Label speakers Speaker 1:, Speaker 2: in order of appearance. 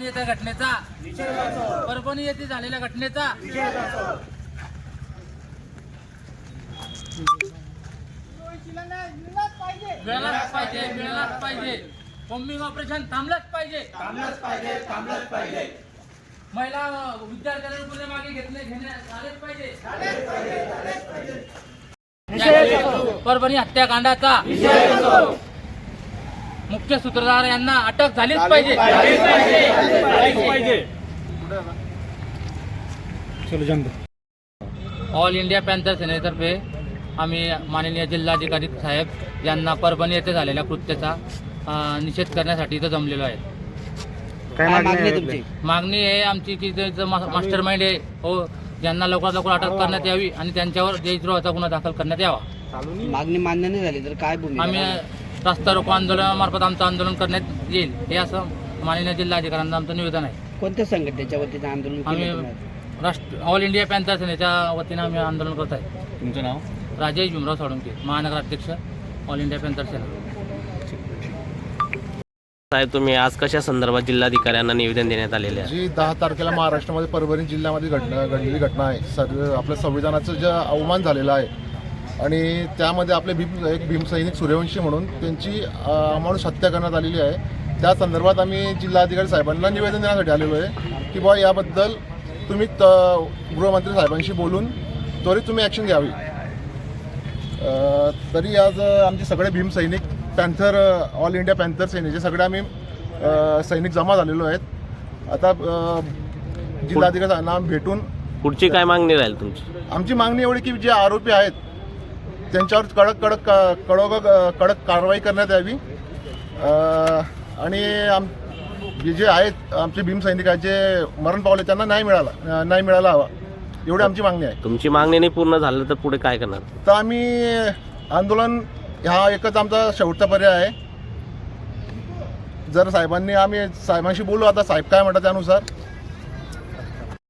Speaker 1: येत्या घटनेचा परभणी येथे झालेल्या घटनेचा मिळालाच पाहिजे बॉम्बिंग ऑपरेशन थांबलंच पाहिजे महिला विद्यार्थ्यांना पुढे मागे घेण्यात आलेच पाहिजे परभणी हत्याकांडाचा मुख्य सूत्रधार यांना अटक झालीच पाहिजे। ऑल इंडिया पॅन्थर सेनेतर्फे आम्ही माननीय जिल्हाधिकारी साहेब यांना परभणी येथे झालेल्या कृत्याचा निषेध करण्यासाठी इथं जमलेलो आहे।
Speaker 2: काय मागणी आहे तुमची?
Speaker 1: मागणी आहे आमची की जे मास्टर माइंड आहे हो यांना लवकरात लवकर अटक करण्यात यावी आणि त्यांच्यावर देशद्रोहाचा गुन्हा दाखल करण्यात यावा।
Speaker 2: मागणी मान्य नाही झाली तर काय भूमिका?
Speaker 1: आम्ही रस्ता रोको आंदोलनामार्फत आमचं आंदोलन करण्यात येईल हे असं माननीय जिल्हाधिकाऱ्यांना आमचं निवेदन आहे।
Speaker 2: कोणत्या संघटनेच्या वतीने आंदोलन
Speaker 1: आम्ही ऑल इंडिया पॅन्थर सेनेच्या वतीने आम्ही आंदोलन करत आहे।
Speaker 3: तुमचं नाव?
Speaker 1: राजेश भीमराव साळुंके, महानगर अध्यक्ष ऑल इंडिया पॅन्थर सेना।
Speaker 4: साहेब, तुम्ही आज कशा संदर्भात जिल्हाधिकाऱ्यांना निवेदन देण्यात आलेले आहे?
Speaker 5: जी 10 तारखेला महाराष्ट्रामध्ये परभणी जिल्ह्यामध्ये घडलेली घटना आहे। आपल्या संविधानाचं जे अवमान झालेलं आहे आणि त्यामध्ये आपले एक भीमसैनिक सूर्यवंशी म्हणून त्यांची अमानुष हत्या करण्यात आलेली आहे। त्या संदर्भात आम्ही जिल्हाधिकारी साहेबांना निवेदन देण्यासाठी आलेलो आहे की बुवा याबद्दल तुम्ही गृहमंत्री साहेबांशी बोलून त्वरित तुम्ही ॲक्शन घ्यावी। तरी आज आमचे सगळे भीमसैनिक पॅन्थर ऑल इंडिया पॅन्थर सेनेचे सगळे आम्ही सैनिक जमा झालेलो आहेत। आता जिल्हाधिकारी साहेबांना भेटून
Speaker 4: पुढची काय मागणी राहील तुमची? आमची
Speaker 5: मागणी एवढी की जे आरोपी आहेत त्यांच्यावर कडक कारवाई करण्यात यावी आणि जे आहेत आमचे भीमसैनिक आहेत जे मरण पावले त्यांना न्याय मिळाला हवा एवढी आमची मागणी आहे।
Speaker 4: तुमची मागणी नाही पूर्ण झालं तर पुढे काय करणार?
Speaker 5: तर आम्ही आंदोलन हा एकच आमचा शेवटचा पर्याय आहे। जर साहेबांनी आम्ही साहेबांशी बोलू, आता साहेब काय म्हणतात त्यानुसार